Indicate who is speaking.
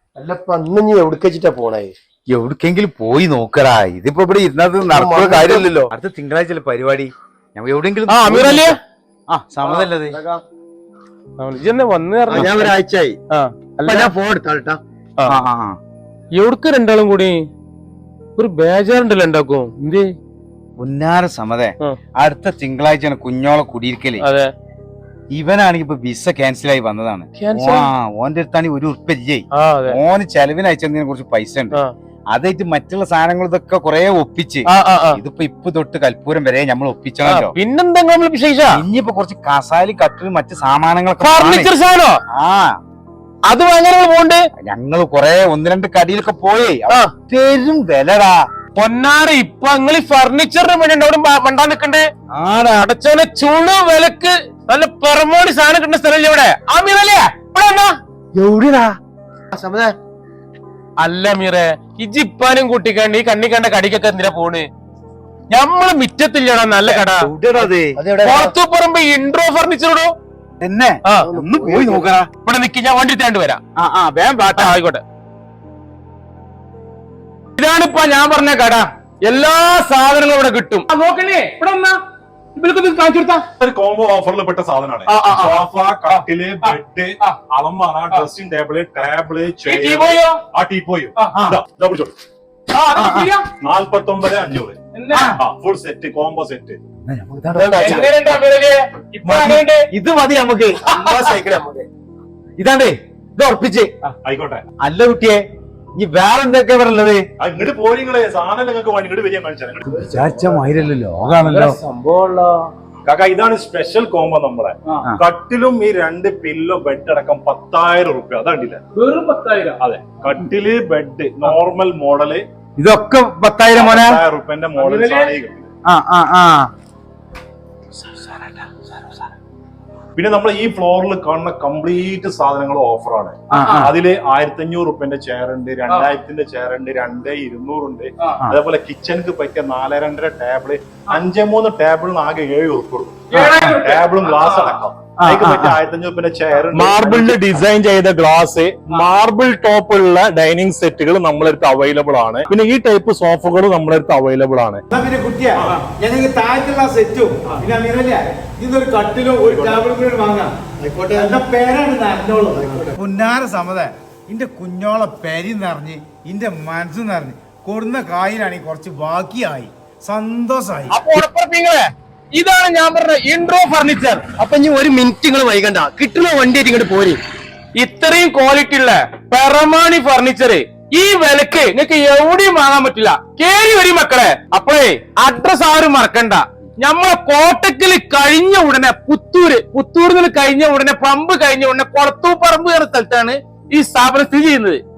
Speaker 1: അല്ലപ്പ അന്ന് നീ എവിടേക്ക് വെച്ചിട്ടാ പോണേ?
Speaker 2: എവിടേക്കെങ്കിലും പോയി നോക്കടാ. ഇതിപ്പോ ഇവിടെ ഇരുന്നത് നടക്കുന്ന കാര്യമില്ലല്ലോ. അടുത്ത തിങ്കളാഴ്ച പരിപാടി. എവിടെയെങ്കിലും സമ്മതല്ലേ
Speaker 1: ഞാൻ ഒരാഴ്ചയായി. ഞാൻ ഫോൺ എടുത്താട്ടാ.
Speaker 3: എവിടക്ക് രണ്ടാളും കൂടി ഒരു ബേജാറുണ്ടല്ലോ ഉണ്ടാക്കും. എന്ത്
Speaker 2: പുന്നാര സമ്മതേ, അടുത്ത തിങ്കളാഴ്ചയാണ് കുഞ്ഞോളെ കുടിയിരിക്കല്.
Speaker 3: അതെ,
Speaker 2: ഇവനാണെങ്കിൽ ഇപ്പൊ വിസ ക്യാൻസൽ ആയി വന്നതാണ്. ഓന്റെ അടുത്താണെങ്കിൽ ഒരു ഉറുപ്പില്ലേ. ഓന് ചെലവിന് അയച്ചതിനെ കുറച്ച് പൈസ ഉണ്ട്. അതായിട്ട് മറ്റുള്ള സാധനങ്ങൾ ഇതൊക്കെ കൊറേ ഒപ്പിച്ച് ഇപ്പൊ തൊട്ട് കൽപ്പൂരം വരെ നമ്മൾ ഒപ്പിച്ചണല്ലോ.
Speaker 3: പിന്നെന്താ
Speaker 2: ഇനിയിപ്പോ കുറച്ച് കസാലി കട്ടിലും മറ്റു സാമാനങ്ങളൊക്കെ
Speaker 3: അത് ഭയങ്കര പോണ്ട്.
Speaker 2: ഞങ്ങള് കൊറേ ഒന്ന് രണ്ട് കടിയിലൊക്കെ പോയി പെരും വിലടാ
Speaker 3: പൊന്നാറ്. ഇപ്പൊ നിങ്ങൾ ഈ ഫർണിച്ചറിന് വേണ്ടി അവിടെ മണ്ടാൻ നിക്കണ്ടേ? അടച്ചോനെ ചുളു വിലക്ക് നല്ല പെറമോടി സാധനം കിട്ടുന്ന സ്ഥലം ഇവിടെ.
Speaker 1: എവിടെടാ?
Speaker 3: അല്ല മീറെ, ഇജിപ്പാനും കൂട്ടിക്കണ്ട് ഈ കണ്ണി കണ്ട കടിക്കൊക്കെ എന്തിനാ പോണ്? ഞമ്മള് മിറ്റത്തില്ലടാ നല്ല കട. പുറത്തു പറമ്പ് ഇൻട്രോ ഫർണിച്ചറോടോ
Speaker 2: എന്നെ ഒന്ന് പോയി നോക്കടാ.
Speaker 3: ഇവിടെ നിക്ക്, ഞാൻ വണ്ടി തേണ്ടി വരാം. ആയിക്കോട്ടെ. ഇതാണിപ്പ ഞാൻ പറഞ്ഞ കട. എല്ലാ സാധനങ്ങളും ഇവിടെ കിട്ടും. നോക്കണേ, ഇവിടെ വന്നാ
Speaker 4: ഒരു കോംബോ ഓഫറിൽ പെട്ട സാധനമാണ്. സോഫ, കട്ടില്, ബെഡ്, അലമാര, ഡ്രസ്സിംഗ് ടേബിള്, ടേബിള്, ടീപ്പോയും 49,500 ഫുൾ സെറ്റ് കോംബോ സെറ്റ്.
Speaker 2: ഇത് മതി നമുക്ക്. ഇതാണ്ടേ, ഇത് ഉറപ്പിച്ച്
Speaker 4: ആയിക്കോട്ടെ.
Speaker 2: അല്ല കുട്ടിയെ, ഇനി വേറെ എന്തൊക്കെ പറയുള്ളത്?
Speaker 4: ഇങ്ങോട്ട് പോരിങ്ങളെ സാധനം നിങ്ങൾക്ക് ഇങ്ങോട്ട് വരിക കാണിച്ചാൽ
Speaker 2: വിചാരിച്ച മാതിരല്ലോ, ലോകാണല്ലോ
Speaker 1: സംഭവമുള്ള
Speaker 4: കാക്ക. ഇതാണ് സ്പെഷ്യൽ കോംബോ നമ്മളെ. കട്ടിലും ഈ 2 പില്ലോ ബെഡ് അടക്കം 10,000 റുപ്യ. അതണ്ടില്ല,
Speaker 3: വെറും 10,000.
Speaker 4: അതെ, കട്ടില് ബെഡ് നോർമൽ മോഡല്
Speaker 2: ഇതൊക്കെ 10,000 മോനെ.
Speaker 4: 10,000 റുപ്യന്റെ മോഡൽ. പിന്നെ നമ്മൾ ഈ ഫ്ലോറിൽ കാണുന്ന കംപ്ലീറ്റ് സാധനങ്ങൾ ഓഫറാണ്. അതില് 1,500 റുപ്യന്റെ ചെയർ ഉണ്ട്, 2,000ന്റെ ചെയർ ഉണ്ട്, 2,200 ഉണ്ട്. അതേപോലെ കിച്ചണിക്ക് പറ്റിയ 4.5 ടേബിള്, 5-3 ടേബിളിന് ആകെ 7 റുപ്യ. ടേബിളും ഗ്ലാസ് അടക്കം. അതിക്ക് പറ്റിയ 1,500 റുപ്യന്റെ ചെയർ,
Speaker 5: മാർബിളിൽ ഡിസൈൻ ചെയ്ത ഗ്ലാസ്, മാർബിൾ ടോപ്പുള്ള ഡൈനിങ് സെറ്റുകൾ നമ്മളടുത്ത് അവൈലബിൾ ആണ്. പിന്നെ ഈ ടൈപ്പ് സോഫകൾ നമ്മളടുത്ത് അവൈലബിൾ ആണ്.
Speaker 6: പിന്നെ കുട്ടിയാ, ഞങ്ങൾക്ക് താഴത്തുള്ള സെറ്റും പിന്നെ ഇതൊരു കട്ടിലും ഒരു ടേബിളും കൂടി വാങ്ങാം. എന്റെ പേരാണ് നന്നോളൂ. പുന്നാര സമ്മത ഇന്റെ കുഞ്ഞോളെ പെരി നിറഞ്ഞ് ഇന്റെ മനസ്സ് നിറഞ്ഞ് കൊടുന്ന കായിലാണെങ്കിൽ കുറച്ച് ബാക്കിയായി സന്തോഷായി.
Speaker 3: ഇതാണ് ഞാൻ പറഞ്ഞ ഇൻട്രോ ഫർണിച്ചർ.
Speaker 1: അപ്പൊ ഇനി ഒരു മിനിറ്റ് നിങ്ങൾ വൈകണ്ട, കിട്ടുന്ന വണ്ടി ആയിട്ട് ഇങ്ങോട്ട് പോരി.
Speaker 3: ഇത്രയും ക്വാളിറ്റി ഉള്ള പെറമാണി ഫർണിച്ചർ ഈ വിലക്ക് നിങ്ങൾക്ക് എവിടെയും വാങ്ങാൻ പറ്റില്ല. കേറി വരും മക്കളെ. അപ്പോഴേ അഡ്രസ് ആരും മറക്കണ്ട. നമ്മളെ കോട്ടക്കല് കഴിഞ്ഞ ഉടനെ പുത്തൂരിൽ കഴിഞ്ഞ ഉടനെ പമ്പ് കഴിഞ്ഞ ഉടനെ കൊളത്തൂപ്പറമ്പ് എന്ന സ്ഥലത്താണ് ഈ സ്ഥാപനം സ്ഥിതി ചെയ്യുന്നത്.